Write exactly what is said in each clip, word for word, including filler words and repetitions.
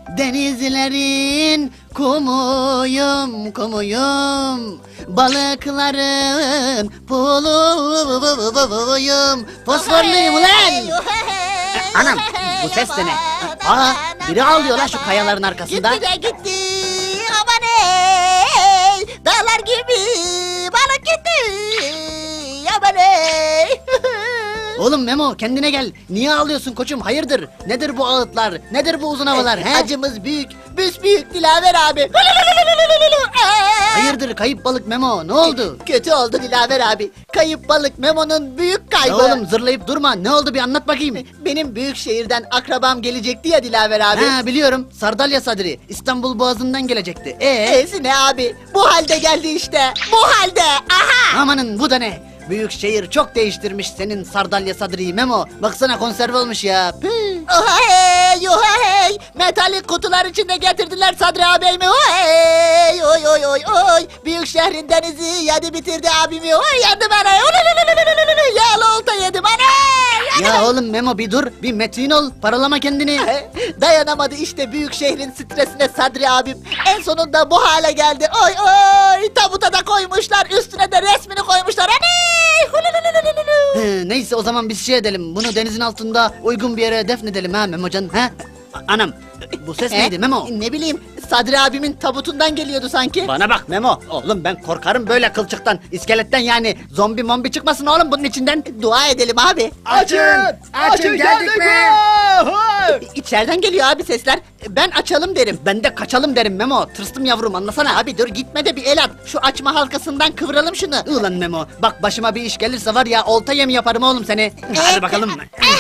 Denizlerin kumuyum, kumuyum. Balıkların puluyum. Fosforluyum ulan. Anam, bu ses de ne? Aa, biri ağlıyor lan şu kayaların arkasında. Gitti de gitti. Aman ey. Dağlar gibi balık gitti. Aman ey. Oğlum Memo, kendine gel. Niye ağlıyorsun koçum? Hayırdır? Nedir bu ağıtlar? Nedir bu uzun havalar? He? Acımız büyük. Büsbüyük Dilaver abi. Hayırdır kayıp balık Memo? Ne oldu? Kötü oldu Dilaver abi. Kayıp balık Memo'nun büyük Ya kaybı. oğlum zırlayıp durma. Ne oldu bir anlat bakayım. Benim büyük şehirden akrabam gelecekti ya Dilaver abi. Ha biliyorum. Sardalya Sadri. İstanbul Boğazı'ndan gelecekti. Ee? E'si ne abi? Bu halde geldi işte. Bu halde. Aha. Amanın bu da ne? Büyük şehir çok değiştirmiş senin Sardalya Sadri'yi Memo. Baksana konserve olmuş ya. Püh. Oha hey, oha hey. Metalik kutular içinde getirdiler Sadri abimi. Oha hey, oy oy oy oy. Büyük şehrin denizi yedi bitirdi abimi. Oy yandı bana. Yağlı olta yedim ana. Ya oğlum Memo bir dur. Bir metin ol. Paralama kendini. Dayanamadı işte büyük şehrin stresine Sadri abim. En sonunda bu hale geldi. Oy oy. Tabuta da koymuşlar. Üstüne de resmini koymuşlar. Aney. He, neyse o zaman biz şey edelim. Bunu denizin altında uygun bir yere defnedelim ha Memocan. Ha? A- Anam bu ses E, neydi Memo? Ne bileyim Sadri abimin tabutundan geliyordu sanki. Bana bak Memo. Oğlum ben korkarım böyle kılçıktan, iskeletten yani. Zombi mombi çıkmasın oğlum bunun içinden. Dua edelim abi. Açın! Açın geldik mi? İçeriden geliyor abi sesler. Ben açalım derim. Ben de kaçalım derim Memo. Tırstım yavrum anlasana. Abi dur gitme de bir el at. Şu açma halkasından kıvıralım şunu. Ulan Memo bak başıma bir iş gelirse var ya olta yem yaparım oğlum seni. Hadi bakalım.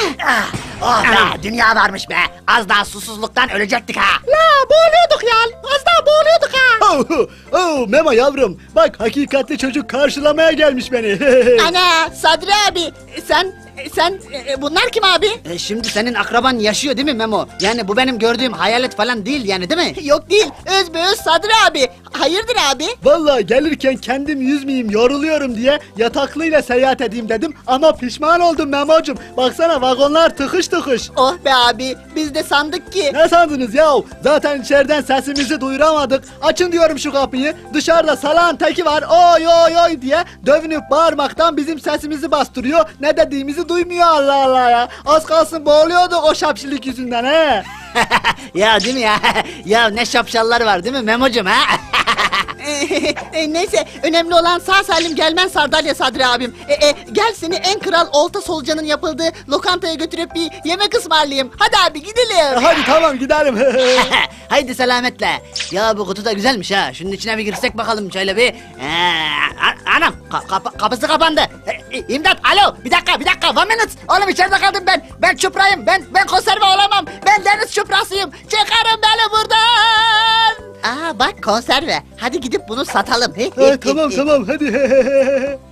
Oh be, dünya varmış be. Az daha susuzluktan ölecektik ha. La boğuluyorduk ya. Az daha boğuluyorduk ha. Oh, oh, Memo yavrum, bak hakikatli çocuk karşılamaya gelmiş beni. Ana Sadri abi sen sen e, bunlar kim abi? E, şimdi senin akraban yaşıyor değil mi Memo? Yani bu benim gördüğüm hayalet falan değil yani değil mi? Yok değil. Özbeöz Sadri abi. Hayırdır abi? Vallahi gelirken kendim yüzmeyeyim, yoruluyorum diye yataklıyla seyahat edeyim dedim ama pişman oldum Memo'cum. Baksana vagonlar tıkış tıkış. Oh be abi. Biz de sandık ki. Ne sandınız yahu? Zaten içeriden sesimizi duyuramadık. Açın diyorum şu kapıyı. Dışarıda salağın teki var. Oy oy oy diye dövünüp bağırmaktan bizim sesimizi bastırıyor. Ne dediğimizi duymuyor Allah Allah ya. Az kalsın boğuluyorduk o şapşilik yüzünden he. Ya değil mi ya? Ya ne şapşallar var değil mi Memo'cum ha? E, neyse önemli olan sağ salim gelmen Sardalya Sadri abim. E, e, gel seni en kral olta solucanın yapıldığı lokantaya götürüp bir yemek ısmarlayayım. Hadi abi gidelim. Hadi tamam gidelim. Haydi selametle. Ya bu kutu da güzelmiş ha. Şunun içine bir girsek bakalım şöyle bir. Ee, a- anam ka- kapa- kapısı kapandı. E, e, İmdat alo bir dakika bir dakika one minute. Oğlum içeride kaldım ben. Ben çuprayım. Ben ben konserve olamam. Ben deniz çuprasıyım. Çıkarın beni buradan. Aa bak konserve. Hadi gidip bunu satalım. Ha, tamam tamam hadi.